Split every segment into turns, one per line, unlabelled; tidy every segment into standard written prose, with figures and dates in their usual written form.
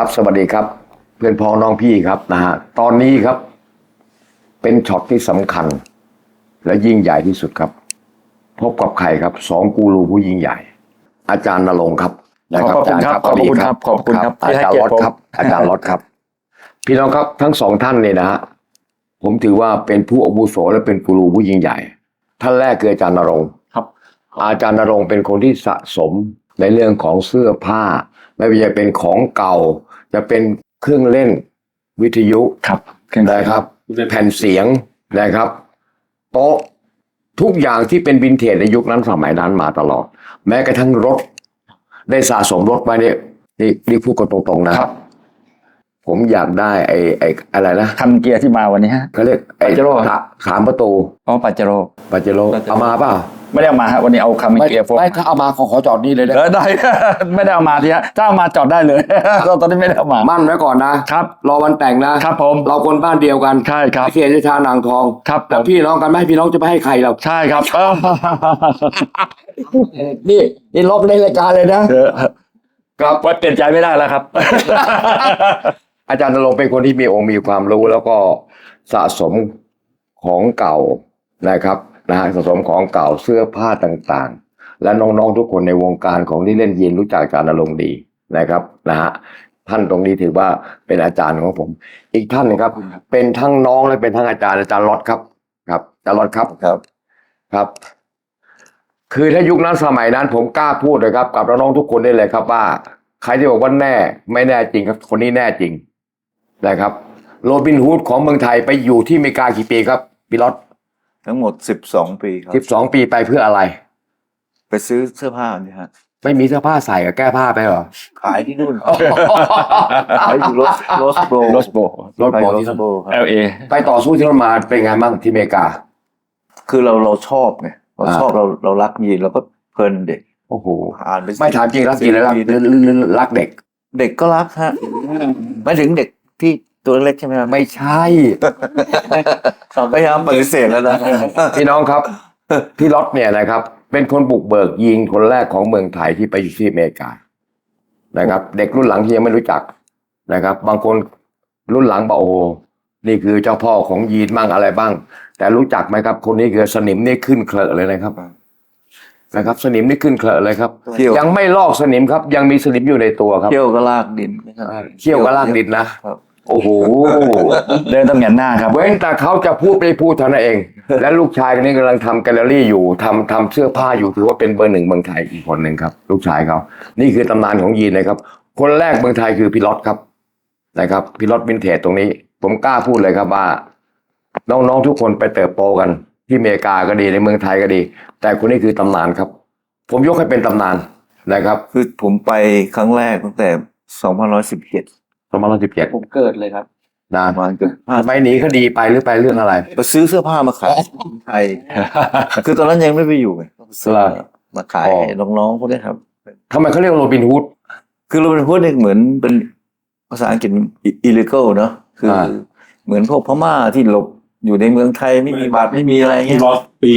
ครับสวัสดีครับเพื่อนพ้องน้องพี่ครับนะฮะตอนนี้ครับเป็นช็อตที่สำคัญและยิ่งใหญ่ที่สุดครับพบกับใครครับสองกูรูผู้ยิ่งใหญ่ อาจารย์ณรงค์ครับนะ
ขอบคุณครับ
สวัสดี
ขอบคุณครับ
อา
ที่ให้
จารย์
เกีย
ร
ร
ถ
ติผม
ครับอาจารย์รถครับ พี่น้องครับทั้งสองท่านเนี่ยนะฮะผมถือว่าเป็นผู้อาวุโสและเป็นกูรูผู้ยิ่งใหญ่ท่านแรกคืออาจารย์ณรงค์
ครับ
อาจารย์ณรงค์เป็นคนที่สะสมในเรื่องของเสื้อผ้าไม่ว่าจะเป็นของเก่าจะเป็นเครื่องเล่นวิทยุ
ครับ
นะครับแผ่นเสียงนะครับโต๊ะทุกอย่างที่เป็นวินเทจในยุคนั้นสมัยนั้นมาตลอด แม้กระทั่งรถได้สะสมรถไว้เนี่ยนี่พูดกันตรงๆนะครับ ผมอยากได้ไอ้อะไรนะ
คันเกียร์ที่มาวันนี้ฮะ
เขาเรียกไอ้
Pajero
สามประตู
อ๋อปาเจโร่
ปาเจโร่เอามาเปล่า
ไม่ได้เอามาฮะวันนี้เอาคันเกียร์โฟร์
ไม่ถ้าเอามาขอจอดนี่เลยนะ
ได้ ไม่ได้เอามาทีฮะถ้าเอามาจอดได้เลย ตอนนี้ไม่ได้เอามา
มั่นไว้ก่อนนะครับ รอวันแต่งนะครับ
ผม
เราคนบ้านเดียวกัน
ใช่ครับ
เขียนชานางทอง
ครับ
แต่
ผม
พี่น้องกันไหมพี่น้องจะไปให้ใครเรา
ใช่ครับ
นี่ลบในรายการเลยนะ
ครับว่าเปลี่ยนใจไม่ได้แล้วครับ
อาจารย์ณรงค์เป็นคนที่มีองค์มีความรู้แล้วก็สะสมของเก่านะครับนะฮะสะสมของเก่าเสื้อผ้าต่างๆ และน้องๆทุกคนในวงการของที่เล่นยีนรู้จักอาจารย์ณรงค์ดีนะครับนะฮะท่านตรงนี้ถือว่าเป็นอาจารย์ของผม อีกท่านหนึงครับ เป็นทั้งน้องและเป็นทั้งอาจารย์ล็อตครับครับอาจารย์ล็อตครับครับ คือถ้ายุคนั้นสมัยนั้นผมกล้าพูดเลยครับกับน้องๆทุกคนได้เลยครับว่าใครที่บอกว่าแน่ไม่แน่จริงครับคนนี้แน่จริงนะครับโรบินฮูดของเมืองไทยไปอยู่ที่อเมริกากี่ปีครับพี่ล็อต
ทั้งหมด12 ปีครับ
12 ปีไปเพื่ออะไร
ไปซื้อเสื้อผ้านี่ฮะ
ไม่มีเสื้อผ้าใส่กับแก้ผ้าไปเหรอ
ขายที่นู่นขายอยู่โรสโบ
โรสโบ
โรสโบ
โรสโบครับ
LA
ไปต่อสู้ที่นั่นมาเป็นไงบ้างที่อเมริกา
คือเราชอบไงเราชอบเรารักยีนเราก็เพลินเด็ก
โอ้โห
อ่านไป
ไม่ถามจริงรักจริงแล้วรักเด็ก
เด็กก็รักฮะไม่ถึงเด็กที่ตัวเล็กใช่ไหมครับ
ไม่ใช่
พยายามปฏิเสธแล้วนะ
พี่น้องครับ พี่ล็อตเนี่ยนะครับ เป็นคนบุกเบิกยิงคนแรกของเมืองไทยที่ไปอยู่ที่อเมริกานะครับ เด็กรุ่นหลังที่ยังไม่รู้จักนะครับ บางคนรุ่นหลังบอกโอ้โหนี่คือเจ้าพ่อของยีนบ้างอะไรบ้าง แต่รู้จักไหมครับ คนนี้คือสนิมนี่ขึ้นเคลอะเลยนะครับสนิมนี่ขึ้นเคลอะเลยครับ
เขี้ยว
ยังไม่ลอกสนิมครับ ยังมีสนิมอยู่ในตัวครับ
เที่ยวก็ลากดินนะครับ
เขี้ยวกับลากดินนะครับ โอ้โห
เดินต้องแหงนหน้าครับ
เว้นแต่เขาจะพูดไม่พูดเท่านั้นเอง และลูกชายคนนี้กำลังทำแกลเลอรี่อยู่ทำเสื้อผ้าอยู่ถือว่าเป็นเบอร์หนึ่งเมืองไทยอีกคนหนึ่งครับ ลูกชายเขานี่คือตำนานของยีนนะครับ คนแรกเมืองไทยคือพี่ล็อตครับนะครับพี่ล็อตวินเทจตรงนี้ ผมกล้าพูดเลยครับว่า น้องๆทุกคนไปเติบโตกัน ที่อเมริกาก็ดีในเมืองไทยก็ดี แต่คนนี้คือตำนานครับ ผมยกให้เป็นตำนานนะครับ
คือผมไปครั้งแรกตั้งแต่2517
2017
ผมเกิดเลยครับ
นะ
ประมาณเกือบ
ทำไมหนีคดีไปหรือไปเรื่องอะไร
ไปซื้อเสื้อผ้ามาขายไทย คือตอนนั้นยังไม่ไปอยู่ไงซื้อ
เหรอ
มาขาย
อ๋อ
ให้น้องๆพวกนี้ครับ
ทำไมเขาเรียกโรบินฮูด
คือเราเป็นพวกนี้เหมือนเป็นภาษาอังกฤษ illegal เนอะคืออา เหมือนพวกพม่าที่หลบอยู่ในเมืองไทยไม่มีบัตรไม่มีอะไรเงี้ย
ล็อตปี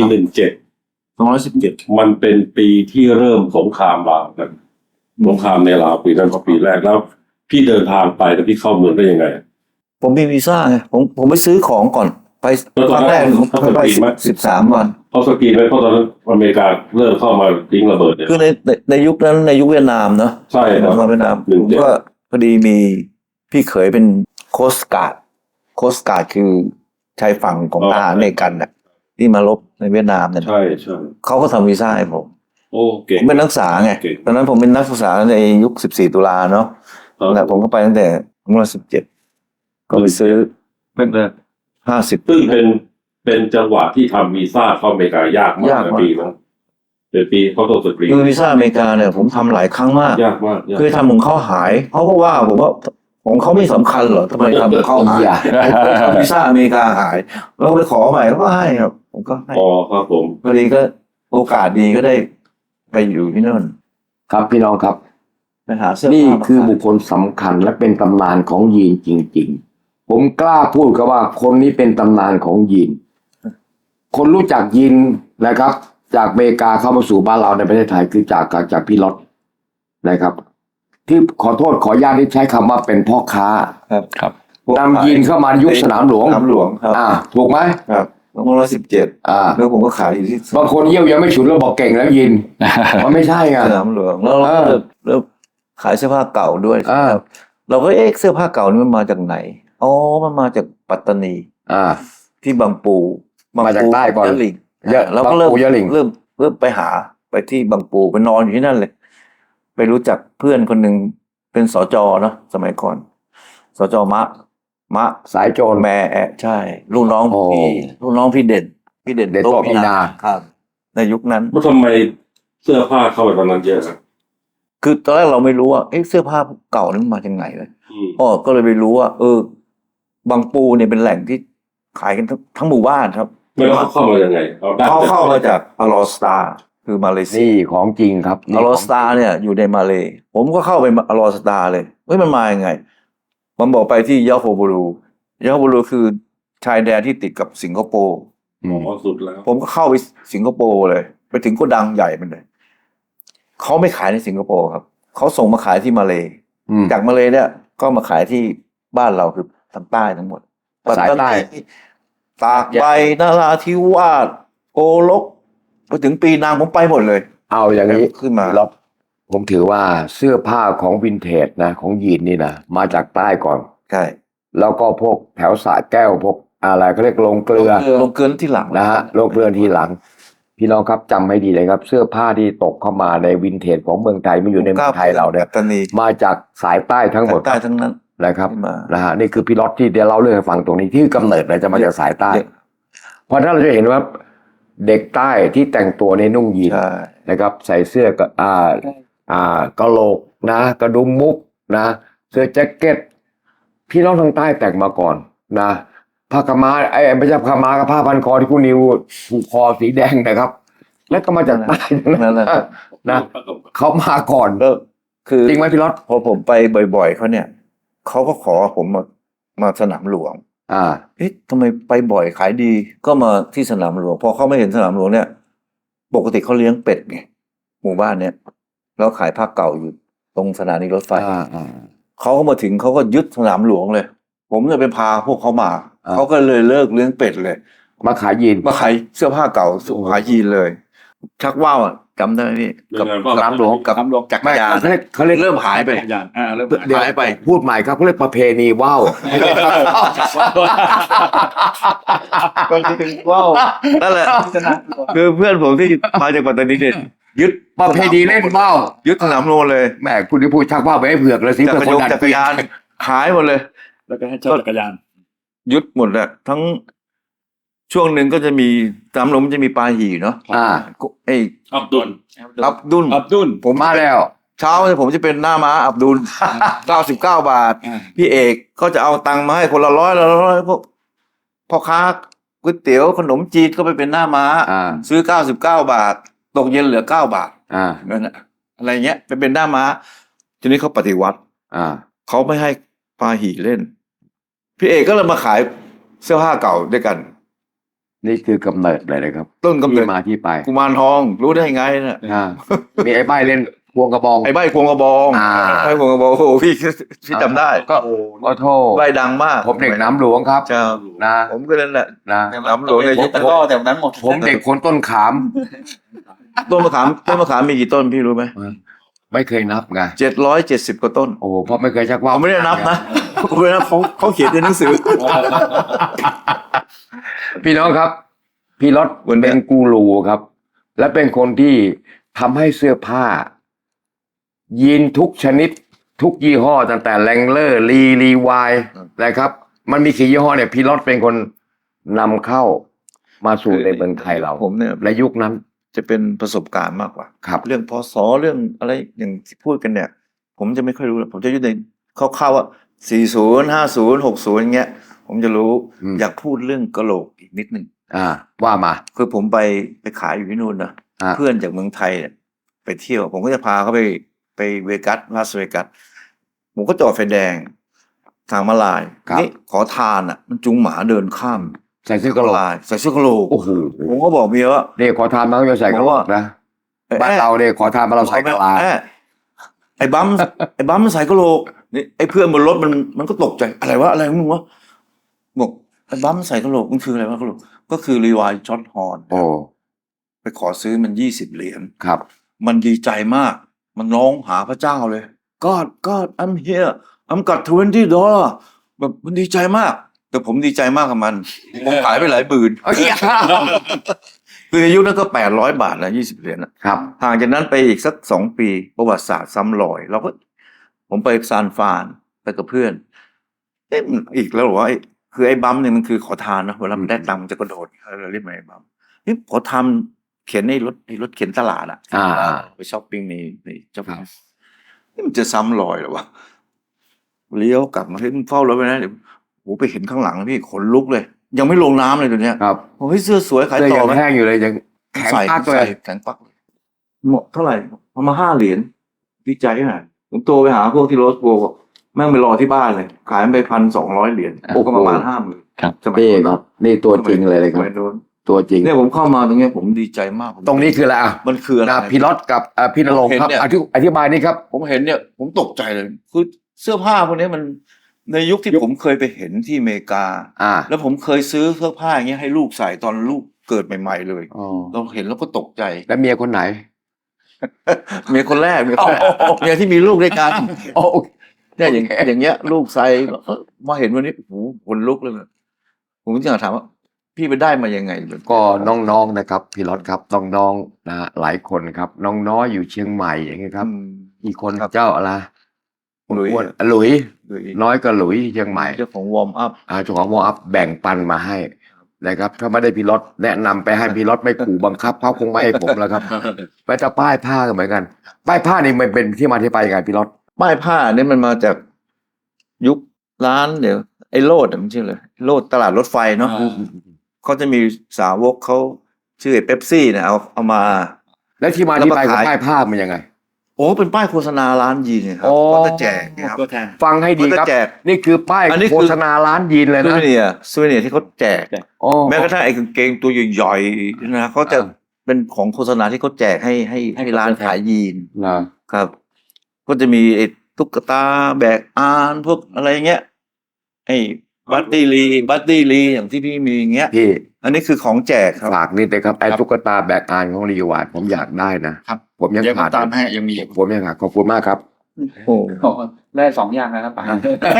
17มันเป็นปีที่เริ่มสงครามลาวกันสงครามในลาวปีนั้นก็ปีแรกแล้ว พี่เดินทางไปแล้วพี่เข้าเมืองได้ยังไง
ผมมีวีซ่าไงผมไปซื้อของก่อนไป
แล้วต
ค
อน
รั้ง
นั้น
แรกผม
เขา
ไป
สกรีนไหม
13 วัน
เขาสกรีนไว้เพราะตอนนั้นอเมริกาเริ่มเข้ามาทิ้งระเบิดเนี่ย
คือในยุคนั้นในยุคเวียดนามเนอะ
ใช่ครับ
มาเวียดนาม
หนึ่ง
ผม
เจ็ด
ก็พอดีมีพี่เขยเป็นโคสการ์ดคือชายฝั่งของทหารอเมริกันน่ะที่มารบในเวียดนามเนี่ย
ใช่ใช่
เขาก็ทำวีซ่าให้ผม
โอ้เก่
ผ
ง
มเป็นนักศึกษาไง
เก่ง
ตอนนั้นผมเป็นนักศึกษาในยุค14 ตุลาเนาะ
ครับ
แต่ผมก็ไปตั้งแต่17ก็ไปซื้อเป็น50
ซึ่งเป็นจังหวะที่ทำวีซ่าเข้าอเมริกายากมาก
ยาก
ใน
มาก
ปีนั้นเป็นปีเขาต้องสกรีน
คือวีซ่าอเมริกาเนี่ยผมทำหลายครั้งมาก
ยากมากยาก
คือทำของเขาหายเขาก็ว่าผมว่าของเขาไม่สำคัญเหรอทำไมทำของเขาหายผมทำวีซ่าอเมริกาหายเราไปขอใหม่เขาก็ให้ครับผมก็ให้
อ๋อครับผม
พอดีก็โอกาสดีก็ได้ไปอยู่ที่นั่น
ครับพี่น้องครับ
ไปหาเสื้อ
นี่
ผ้ามา
คือบุ
ขาย
คคลสำคัญและเป็นตำนานของยีนจริง ๆ ผมกล้าพูดครับว่าคนนี้เป็นตำนานของยีน คนรู้จักยีนนะครับ จากอเมริกาเข้ามาสู่บ้านเราในประเทศไทยคือจากพี่ล็อตนะครับที่ขอโทษขออนุญาตที่ใช้คำว่าเป็นพ่อค้า
ครับ
ครับ
นำยีนเข้ามาในยุคสนามหลวง
สนามหลวงครับ
ถูกไหม
ครับ2517
อ่า
แล้วผมก็ขายอยู่ที่
บางคนเยี่ยวยังไม่ฉุนแล้วบอกเก่งแล้วยิน มันไม่ใช่ไง
สนามหลวงแล้วเราก็เริ่มขายเสื้อผ้าเก่าด้วย
อ่า
ครับเราก็เสื้อผ้าเก่านี่มันมาจากไหนอ๋อมันมาจากปัตตานี
อ่า
ที่บางปู
มาจากใต้ก่อน
ยะหลิง
ยะ
เราก็เริ่ม
บางปูยะหลิ่ง
เริ่มไปหาไปที่บางปูไปนอนอยู่ที่นั่นเลย ไปรู้จักเพื่อนคนหนึ่งเป็นสจเนาะสมัยก่อนสจมะ
สายโจร
แม่ใช่ลูกน้อง
โอ้
ลูกน้องพี่เด่น
เด่นโต๊ะพินา
ครับในยุคนั้น
ว่าทำไมเสื้อผ้าเข้าไปตอนนั้นเยอะครับ
คือตอนแรกเราไม่รู้ว่าเสื้อผ้าเก่านี่มันมาจากไหนเลย
อืม
อ๋อก็เลยไปรู้ว่าบางปูเนี่ยเป็นแหล่งที่ขายกันทั้งหมู่บ้านครับ
ไม่รู้เขาเข้ามายังไงเอาได้
เขาเข้ามาจากอลอสตาคือมาเลเซีย
นี่ของจริงครับ
อลอสตาเนี่ยอยู่ในมาเลย์ผมก็เข้าไปอลอสตาเลยเฮ้ยมันมายังไง มันบอกไปที่ยาโฮบูรูคือชายแดนที่ติดกับสิงคโปร์
อืม
อ๋อสุดแล้ว
ผมก็เข้าไปสิงคโปร์เลย ไปถึงโกดังใหญ่มันเลยเขาไม่ขายในสิงคโปร์ครับเขาส่งมาขายที่มาเลย์
อืม
จากมาเลย์เนี่ยก็มาขายที่บ้านเราคือทางใต้ทั้งหมด
สายใต้
ตากใบนาราธิวาสโกลกไปถึงปีนังผมไปหมดเลย
เอาอย่างนี้
ขึ้นมา
ล็อตผมถือว่าเสื้อผ้าของวินเทจนะของยีนนี่นะมาจากใต้ก่อน
ใช่
แล้วก็พวกแถวสระแก้วพวกอะไรเขาเรียกลงเกลือ
ลงเกินที่หลัง
นะฮะโลกเรือนทีหลัง พี่น้องครับจำให้ดีเลยครับ เสื้อผ้าที่ตกเข้ามาในวินเทจของเมืองไทยไม่อยู่ในเมืองไทยเราเนี่ย
ปัตตานี
มาจากสายใต้ทั้งหมด
ใต้ทั้งนั้น
นะครับ
ขึ้นมา
นะฮะนี่คือพี่ล็อตที่เดี๋ยวเล่าเรื่องให้ฟังตรงนี้ที่กำเนิดเลยจะมาจากสายใต้ เพราะถ้าเราจะเห็นว่าเด็กใต้ที่แต่งตัวในนุ่งยีน
ใช่
นะครับ ใส่เสื้อก็กะโหลกนะกระดุมมุกนะเสื้อแจ็คเก็ตพี่น้องทางใต้แต่งมาก่อนนะผ้ากำมาไม่ใช่ผ้ามากับผ้าพันคอที่คุณนิวผูกคอสีแดงนะครับ แล้วก็มาจากใต้
นั่นแหละครับ
นะเขามาก่อน
แล้วคือ
จริงไหมพี่ล็อต
พอผมไปบ่อยๆเขาเนี่ยเขาก็ขอผมมาสนามหลวง เอ๊ะทำไมไปบ่อยขายดี ก็มาที่สนามหลวง พอเขาไม่เห็นสนามหลวงเนี่ย ปกติเขาเลี้ยงเป็ดไงหมู่บ้านเนี่ยแล้วขายผ้าเก่าอยู่ตรงสถานีรถไฟเขาก็มาถึงเขาก็ยึดสนามหลวงเลย ผมเลยไปพาพวกเขามาเขาก็เลยเลิกเลี้ยงเป็ดเลย
มาขายยีน
มาขายเสื้อผ้าเก่าขายยีนเลย ชักว่าวอะจำได้ไหมพี่กับ
สนามหลวง
กับจักรยาน
เขาเรียก
เริ่มหายไป
ยานเริ่ม
เดี๋ยว
หายไป
พูดใหม่ครับเขาเรียกประเพณีว่าว
ว้าวนั่นแหละคือเพื่อนผมที่มาจากปัตตานีเนี่ยยึด
ประเพณีเล่นว่าว
ยึดสนามหลวงเลย
แหมคุณที่พูดชักว่าวไปให้เผือกเลยสิ
จักร
เพื่อนคนนั้น
จักรยานหายหมดเลย
แล้วก็ให้เช่าจักรยาน
ยึดหมดแหละทั้งช่วงหนึ่งก็จะมีสนามหลวงมันจะมีปลาหี่เนาะ ไอ้
อับดุล
อับดุล
อับดุล
ผม
มาแล้ว
เช้าเนี่ยผมจะเป็นหน้าม้าอับดุล 99 บาท พี่เอกก็จะเอาตังค์มาให้คนละ100พวกพ่อค้าก๋วยเตี๋ยวขนมจีนก็ไปเป็นหน้าม้า ซื้อ99 บาท ตกเย็นเหลือ9 บาทนั่นน่ะอะไรเงี้ยไปเป็นหน้าม้าทีนี้เขาปฏิวัติเขาไม่ให้ปาหี่เล่น พี่เอกก็เลยมาขายเสื้อผ้าเก่าด้วยกัน
นี่คือกำเนิดเลยนะครับ
ต้นกำเนิด
ที่มาที่ไป
กุมารทองรู้ได้ไงเนี่ย
มีไอ้ใบเล่นพวงกระบอง
ไอ้ใบควงกระบอง ไอ้ควงกระบองโอ้โหพี่จำได้
ก็ขอโทษ
ใบดังมาก
ผมเด็กน้ำหลวงครับ
เจ้า
นะ
ผมก็นั่นแหละ
นะ
น้ำหลวงในยุค
แต่ก็แต่นั้นหมด
ผมเด็กคนต้นขาม
ต้นมะขามมีกี่ต้นพี่รู้ไหม
ไม่เคยนับไง
770 กว่าต้น
โอ้โหเพราะไม่เคยชักว่าว
ผมไม่ได้นับนะผมไม่ได้นับเขาเขียนในหนังสือ
พี่น้องครับ พี่รถ
เหมือน
เป็นกูรูครับ และเป็นคนที่ทำให้เสื้อผ้า ยีนทุกชนิด ทุกยี่ห้อตั้งแต่แรงเลอร์รีวายนะครับ มันมีกี่ยี่ห้อเนี่ยพี่รถเป็นคนนำเข้ามาสู่ในเมืองไทยเรา
ผมเนี่ย
และยุคนั้น
จะเป็นประสบการณ์มากกว่า
ครับ
เรื่องพศเรื่องอะไรอย่างที่พูดกันเนี่ย ผมจะไม่ค่อยรู้ผมจะอยู่ในคร่าวๆว่า40 50 60อย่างเงี้ย ผมจะรู้อยากพูดเรื่องกะโหลกอีกนิดนึง
ว่ามา
คือผมไปขายอยู่ที่นู่นนะเพื่อนจากเมืองไทยเนี่ยไปเที่ยว ผมก็จะพาเขาไปเวกัสลาสเวกัสผมก็จอดไฟแดงทางมาลายนี่ขอทานอ่ะ มันจุงหมาเดินข้าม
ใส่เสื้อกะโหลก
ใส่เสื้อกะโหลก
โอ้โห
ผมก็บอกเมียว่า
เนี่ยขอทานมาก็จะใส่กะโหลกนะบ้านเราเนี่ยขอทานมาเราใส่กะลา
ไอ้บัมมันใส่กะโหลกนี่ไอ้เพื่อนบนรถมันก็ตกใจอะไรวะอะไรของมึงวะบอกไอ้บัมมันใส่กะโหลกมันคืออะไรวะกะโหลกก็คือรีวายช็อตฮอร์น
โอ้
ไปขอซื้อมัน20 เหรียญ
ครับ
มันดีใจมากมันร้องหาพระเจ้าเลย God I'm here I'm got $20แบบมันดีใจมาก แต่ผมดีใจมากกับมันผมขายไปหลายหมื่น
เอ้ย
คือในยุคนั้นก็800 บาทนะ20 เหรียญนะครับ ห่างจากนั้นไปอีกสัก2 ปีประวัติศาสตร์ซ้ำรอยผมไปซานฟรานไปกับเพื่อนมันอีกแล้วเหรอวะคือไอ้บัมเนี่ยมันคือขอทานนะเวลามันได้ตังค์มันจะกระโดดเราเรียกมันไอ้บัมนี่ขอทำเขียนในรถเข็นตลาดอ่ะ ไปช้อปปิ้งในช้อปปิ้งนี่มันจะซ้ำรอยเหรอวะเลี้ยวกลับมาที่เฝ้ารถไปนะเดี๋ยวโหไปเห็นข้างหลังพี่ขนลุกเลย ยังไม่ลงน้ำเลยตัวเนี้ย
ครับ
โอ้ยเสื้อสวยขาย
เสื้อ
ต่อ
ยัง
ไหม
แห้งอยู่เลยยังแข็งปักเลย
แข็งปักเลยหมดเท่าไหร่เอามา5 เหรียญดีใจขนาดผมโทรไปหาพวกที่โรสโบบอกแม่งไปรอที่บ้านเลย ขายไป1,200 เหรียญโอ้ก็ประมาณ 50,000
ครับ
สมัย
นี่ครับนี่ตัวจริงเลยครับ
สมัโน้น
ตัวจริง
เนี่ยผมเข้ามาตรงเนี้ยผมดีใจมาก
ตรงนี้คืออะไรอ่ะ
มันคืออะไร
พี่รถกับพี่นรงค์ครับ
ผมเห็นเนี่ย
อธิบายนี่ครับ
ผมเห็นเนี่ยผมตกใจเลยคือเสื้อผ้าพวกนี้มันในยุคที่ผมเคยไปเห็นที่อเมริกา แล้วผมเคยซื้อเสื้อผ้าอย่างเงี้ยให้ลูกใส่ตอนลูกเกิดใหม่ๆเลย
อ๋อ
เราเห็นแล้วก็ตกใจ
แล้วเมียคนไหน
เมียคนแรกเมียที่มีลูกด้วยกัน
โอ้
เนี่ยอย่างเงี้ยลูกใส่มาเห็นวันนี้โอ้โหคนลุกเลยผมก็จะถามว่าพี่ไปได้มายังไง
ก็น้องๆนะครับพี่รถครับน้องๆนะหลายคนครับน้องน้อยอยู่เชียงใหม่อย่างเงี้ยครับ อีกคน
ครับ
เจ้าอะไร
หลุย
อ้วนหลุย
หรือ
น้อยก็หลุยที่เชียงใหม่
เจ้าของวอร์มอัพ
เจ้าของวออัพแบ่งปันมาให้นะครับถ้าไม่ได้พี่รถแนะนำไปให้พี่รถไม่ขู่บังคับเขาคงไม่ให้ผมแล้วครับไปแต่ป้ายผ้าก็เหมือนกัน ป้ายผ้านี่มันเป็นที่มาที่ไปยังไงพี่รถ
ป้ายผ้าเนี่ยมันมาจากยุคร้านเดี๋ยวไอ้โลดมันชื่อเลยโลดตลาดรถไฟเนาะเขาจะมีสาวกเขาชื่อเป๊ปซี่เนี่ยเอามา
แล้วที่มาที่ไปของป้ายผ้ามันยังไง
โอ้เป็นป้ายโฆษณาร้านยีนเนี่ยครับ
โอ้
ก็จะแจกนะครับ
ตัวแทน
ฟังให้ดีครับ
มันจะแจก
นี่คือป้าย
อันนี้คือ
โฆษณาร้านยีนเลย
ซู
นะ
เวเนียร์ที่เขาแจก
โอ้
แม้กระทั่งไอ้กางเกงตัวใหญ่ๆนะเขาจะเป็นของโฆษณาที่เขาแจกให้ร้านขายยีน
นะครับ
ก็จะมีไอ้ตุ๊กตาแบกอานพวกอะไรเงี้ยไอ้บัตตี้ลีอย่างที่พี่มีอย่างเงี้ย
พี่
อันนี้คือของแจกครับ
ฝากนิดเลยครับไอ้ตุ๊กตาแบกอานของรีวาร์ดผมอยากได้นะครับ ผมยัง
เดี๋ยวผ
ขาด
มตามให้ยังมี
ผมยังขาดขอบคุณมากครับ
โอ้
ได้2 อย่างนะครับป๋า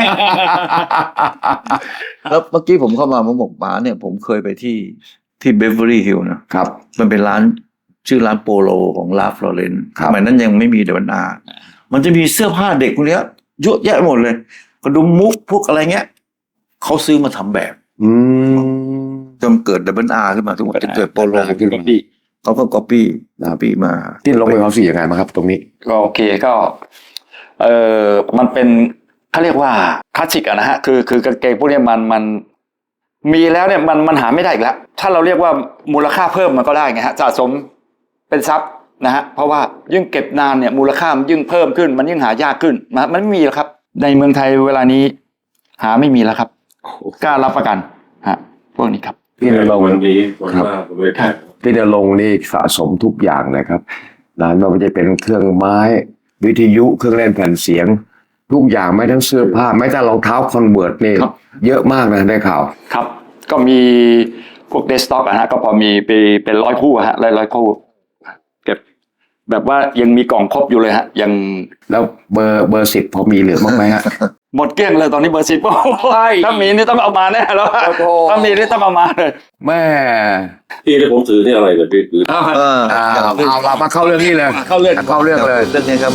แล้วเมื่อกี้ผมเข้ามาผมบอกป๋าเนี่ยผมเคยไปที่เบเวอรี่ฮิลนะครับ มันเป็นร้านชื่อร้านโปโลของลาฟลอเรน
ครับ
สมัยนั้นยังไม่มีเดวันอามันจะมีเสื้อผ้าเด็กพวกเนี้ยเยอะแยะหมดเลยกระดุมมุกพวกอะไรเงี้ยเขาซื้อมาทำแบบ
อืม
จนเกิดดับเบิลอาร์ขึ้นมาทุกวันจะเกิดโปโล
ขึ้นมา
เขาก็ก๊อปปี้มา
ที่ลงไปความสี่ยังไงมาครับ ตรงนี้
ก็โอเคก็มันเป็นเขาเรียกว่าคลาสสิกอะนะฮะคือกางเกงพวกเนี้ยมันมีแล้วเนี่ยมันหาไม่ได้อีกแล้วถ้าเราเรียกว่ามูลค่าเพิ่มมันก็ได้ไงฮะสะสมเป็นทรัพย์นะฮะเพราะว่ายิ่งเก็บนานเนี่ยมูลค่ามันยิ่งเพิ่มขึ้นมันยิ่งหายากขึ้นมันไม่มีแล้วครับในเมืองไทยเวลานี้หาไม่มีแล้วครับกล้ารับประกันฮะพวกนี้ครับ
พี่นรงค์
วันนี้วันหน้าผมไม่แพ้
พี่นรงค์นี่สะสมทุกอย่างนะครับนะไม่ว่าจะเป็นเครื่องไม้ วิทยุเครื่องเล่นแผ่นเสียง ทุกอย่างไม่ทั้งเสื้อผ้าไม่แต่รองเท้าคอนเวิร์ตนี่
ครับ
เยอะมากนะได้ข่าว
ครับก็มีพวกเดสก์ท็อปฮะก็พอมีไปเป็น100 คู่ฮะร้อยคู่เก็บแบบว่ายังมีกล่องครบอยู่เลยฮะยัง
แล้วเบอร์10พอมีเหลือบ้างไหมฮะ
หมดเกลี้ยงเลยตอนนี้เบอร์10ถ้ามีนี่ต้องเอามาแน่แล้ว
โอ้โห
ถ้ามีนี่ต้องเอามาเลย
แม่
ที่ที่ผมถือนี่อะไรเนี่ยพี่คือ
เอาเรามาเข้าเรื่องนี้เลย
เข้าเรื่อง
เข้าเรื่องเลย
เรื่องนี้ครับ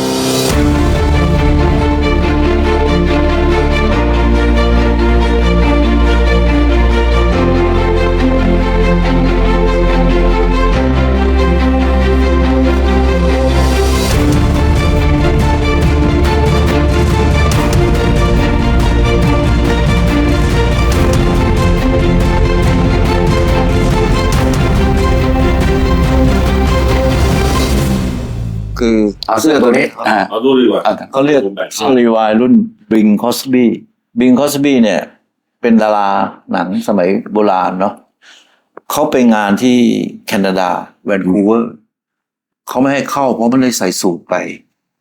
คือ
เอาเสื้อตัวนี้
เอาดูดีกว่า
เขาเรียก
ผมแบ่ง
เสื้อรีวายรุ่นบิงคอสบี้เนี่ย เป็นดาราหนังสมัยโบราณเนาะเขาไปงานที่แคนาดาแวนคูเวอร์เขาไม่ให้เข้าเพราะมันเลยใส่สูทไป จ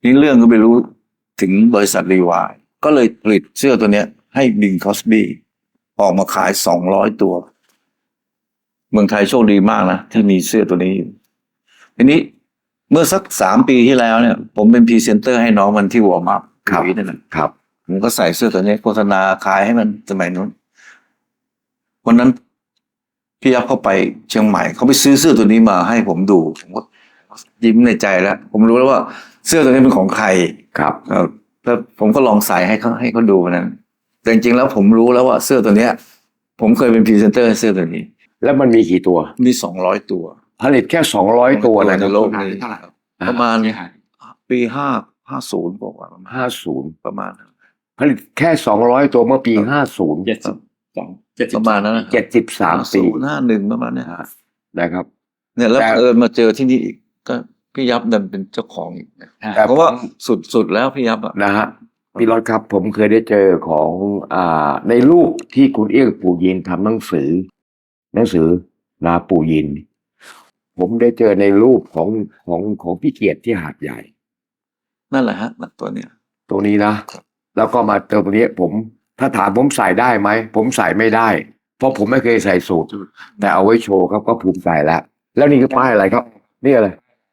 นี่เรื่องก็ไปรู้ถึงบริษัทรีวายก็เลยผลิตเสื้อตัวเนี้ยให้บิงคอสบี้ออกมาขาย200 ตัว เมืองไทยโชคดีมากนะที่มีเสื้อตัวนี้อยู่ทีนี้เมื่อสัก3 ปีที่แล้วเนี่ย ผมเป็นพรีเซนเตอร์ให้น้องมันที่วอร์มอัพ
ครับ
นั่นแหละ
ครับ
ผมก็ใส่เสื้อตัวนี้โฆษณาขายให้มันสมัยนู้นวันนั้นพี่ยับเข้าไปเชียงใหม่เขาไปซื้อเสื้อตัวนี้มาให้ผมดูผมก็ยิ้มในใจแล้ว ผมรู้แล้วว่าเสื้อตัวนี้เป็นของใคร
ครับ
แล้วผมก็ลองใส่ให้เขาดูวันนั้นแต่จริงๆแล้วผมรู้แล้วว่าเสื้อตัวเนี้ย ผมเคยเป็นพรีเซนเตอร์ให้เสื้อตัวนี้
แล้วมันมีกี่ตัว
มี200 ตัว
ผลิตแค่200 ตัวนะ
ในโลกนี้
เท่าไหร่ครับ
ประมาณปี50บอกว่าประมาณ
50
ประมาณนั้น
ผลิตแค่200 ตัวเมื่อปี50
ประมาณนั้นนะ
73 ปี
51ประมาณเนี้ย
นะครับ
เนี่ยแล้ว
แต่
มาเจอที่นี่อีกก็พี่ยับดันเป็นเจ้าของอีกนะ
แต่
เพราะว่าสุดแล้วพี่ยับอ่ะ
นะฮะพี่รถครับผมเคยได้เจอของในรูปที่คุณเอี้ยงปู่ยินทำหนังสือนาปู่ยิน ผมได้เจอในรูปของพี่เกียรติที่หาดใหญ่
นั่นแหละฮะตัวเนี้ย
ตรงนี้นะ แล้วก็มาเจอตรงนี้ถ้าถามผมใส่ได้ไหมผมใส่ไม่ได้ เพราะผมไม่เคยใส่สูทแต่เอาไว้โชว์ครับก็ภูมิใจแล้วแล้วนี่คือป้ายอะไรครับนี่อะไร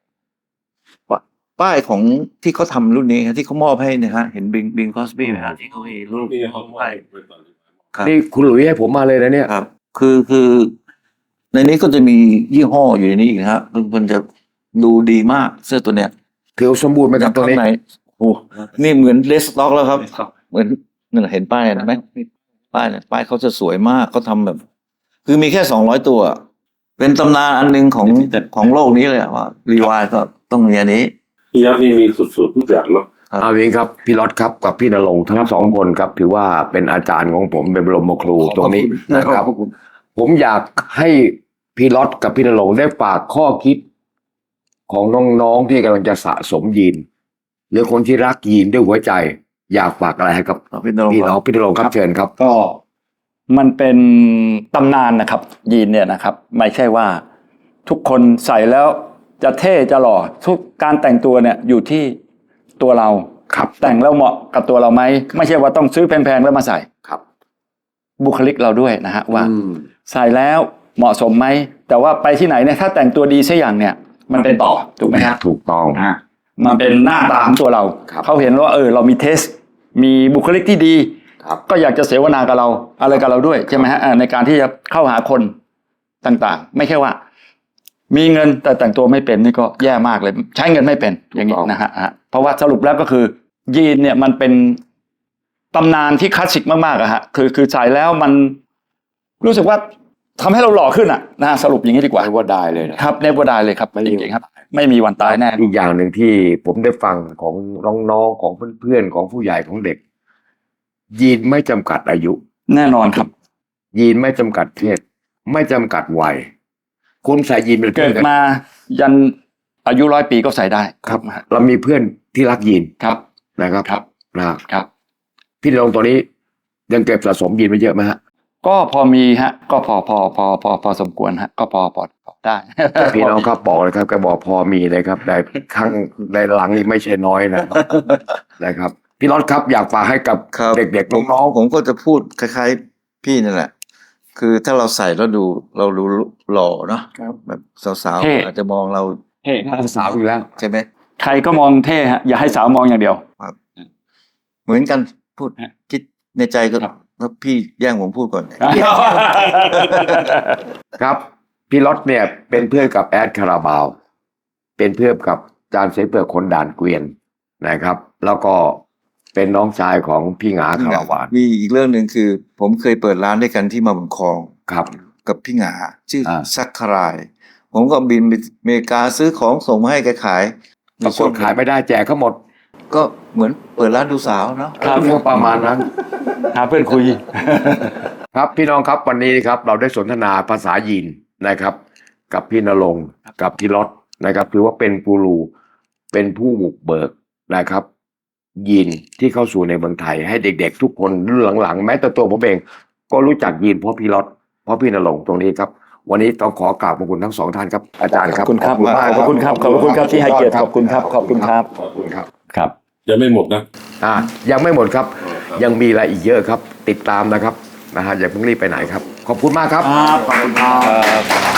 ป้ายของที่เขาทำรุ่นนี้ที่เขามอบให้เนี่ยฮะเห็นบิงคอสบี้ไหมฮะที่เขามีรูป
นี่เขาไม่
ครับ
นี่คุณหลุยให้ผมมาเลยนะเนี่ย
ครับ คือในนี้ก็จะมียี่ห้ออยู่ในนี้อีกนะฮะมันจะดูดีมากเสื้อตัวเนี้ย
ถือสมบูรณ์ไหมครับตัวนี้
ข้างในโอ้นี่เหมือนเลสต็อกแล้วครับ เหมือนนั่นนะเห็นป้ายนะไหมป้ายเนี่ยป้ายเขาจะสวยมากเขาทำแบบ คือมีแค่200 ตัว เป็นตำนานอันหนึงของโลกนี้เลยอะว่ารีวายก็ต้องมีอันนี้
พี่ยักษ์นี่มีสุดๆทุกอย่างเนาะ
เอาอย่างนี้ครับพี่รถครับกับพี่ณรงค์ทั้งสองคนครับถือว่าเป็นอาจารย์ของผมเป็นบรมครูตรงนี้นะครับ ผมอยากให้พี่รถกับพี่ณรงค์ได้ฝากข้อคิดของน้องๆที่กำลังจะสะสมยีนหรือคนที่รักยีนด้วยหัวใจ อยากฝากอะไรให้กับ
พี่ณรงค์
พี่ณรงค์ครับเชิญครับ
ก็มันเป็นตำนานนะครับ ยีนเนี่ยนะครับ ไม่ใช่ว่าทุกคนใส่แล้วจะเท่จะหล่อทุกการแต่งตัวเนี่ยอยู่ที่ตัวเรา
ครับ
แต่งแล้วเหมาะกับตัวเราไหมไม่ใช่ว่าต้องซื้อแพงๆแล้วมาใส่
ครับ
บุคลิกเราด้วยนะฮะว่า
อืม
ใส่แล้วเหมาะสมไหมแต่ว่าไปที่ไหนเนี่ยถ้าแต่งตัวดีสักอย่างเนี่ยมันเป็นต่อถูกไหมฮะ
ถูกต้อง
มันเป็นหน้าตาของตัวเรา
ครับ
เขาเห็นว่าเรามีเทส มีบุคลิกที่ดี
ครับ
ก็อยากจะเสวนากับเราอะไรกับเราด้วยใช่ไหมฮะในการที่จะเข้าหาคนต่างๆ ไม่ใช่ว่า มีเงินแต่แต่งตัวไม่เป็นนี่ก็แย่มากเลย ใช้เงินไม่เป็นอย่างนี้นะฮะเพราะว่าสรุปแล้วก็คือ ยีนเนี่ยมันเป็นตำนานที่คลาสสิกมากๆอะฮะคือใส่แล้วมันรู้สึกว่าทำให้เราหล่อขึ้นอะนะฮะสรุปอย่างนี้ดีกว่า
ไม่ว่าได้เลยนะครับ
เนเวอร์ได้เลยครับ
ไม่มี
จริงๆครับ ไม่มีวันตายแน่
อีกอย่างหนึ่งที่ผมได้ฟังของน้องๆของเพื่อนๆของผู้ใหญ่ของเด็ก ยีนไม่จำกัดอายุ
แน่นอนครับ
ยีนไม่จำกัดเพศไม่จำกัดวัยคุณใส่ยีนเป็น
เกิ
เพื่อน
ด
กัน
มายันอายุ100 ปีก็ใส่ได้
ครับ เรามีเพื่อนที่รักยีน
ครับ
นะครับ
ครับ
นะครับ พี่ณรงค์ตัวนี้ยังเก็บสะสมยีนไว้เยอะไหมฮะ
ก็พอมีฮะ ก็พอสมควรฮะ ก็พอได้
พี่น้องครับบอกเลยครับแกบอกพอมีเลยครับแต่ครั้งในหลังนี่ไม่ใช่น้อยนะครับ พี่รถครับอยากฝากให้กับ
ครับ
เด็กๆน้อง
ผมก็จะพูดคล้ายๆพี่นั่นแหละ คือถ้าเราใส่แล้วเราดูหล่อเนาะแบบสาว
เท่
ๆอาจจะมองเรา
เฮ้
ๆสาวอยู่แล้ว
ใช่ไหม
ใครก็มองเท่ฮะ อย่าให้สาวมองอย่างเดียว
เหมือนกันพูด
ฮะ
คิดในใจก็
ครับ
แล้วพี่แย่งผมพูดก่อน
ครับพี่รถเนี่ยเป็นเพื่อนกับแอดคาราบาว เป็นเพื่อนกับจานเสเปือกคนด่านเกวียนนะครับ แล้วก็เป็นน้องชายของพี่หงาคาราวาน
มีอีกเรื่องหนึ่งคือ ผมเคยเปิดร้านด้วยกันที่มาบุญครอง
ครับ
กับพี่หงาชื่อ
ซั
ซักคาราย ผมก็บินไปอเมริกาซื้อของส่งมาให้แกขาย
ปรากฏขายไม่ได้แจกเขาหมด
ก็เหมือนเปิดร้านดูสาวเนาะ
ครับ
ก็ประมาณนั้น
หาเพื่อนคุย
ครับพี่น้องครับวันนี้ครับเราได้สนทนาภาษายีนนะครับ กับพี่ณรงค์กับพี่รถนะครับถือว่าเป็นกูรูเป็นผู้บุกเบิกนะครับ ยีนที่เข้าสู่ในเมืองไทยให้เด็กๆ ทุกคนรุ่นหลังๆแม้แต่ตัวผมเองก็รู้จักยีนเพราะพี่รถเพราะพี่ณรงค์ตรงนี้ครับ วันนี้ต้องขอกราบขอบคุณทั้งสองท่านครับอาจารย์ครับ
ขอบคุณครับ
มาก
ขอบคุณครับขอบคุณครับที่ให้เกียรติขอบคุณครับ ขอบคุณครับ
ขอบคุณครับ
ครับ
ยังไม่หมดนะ
ยังไม่หมดครับ ยังมีอะไรอีกเยอะครับ ติดตามนะครับนะฮะอย่าเพิ่งรีบไปไหนครับ ขอบคุณมากครับ
ขอบคุณครับ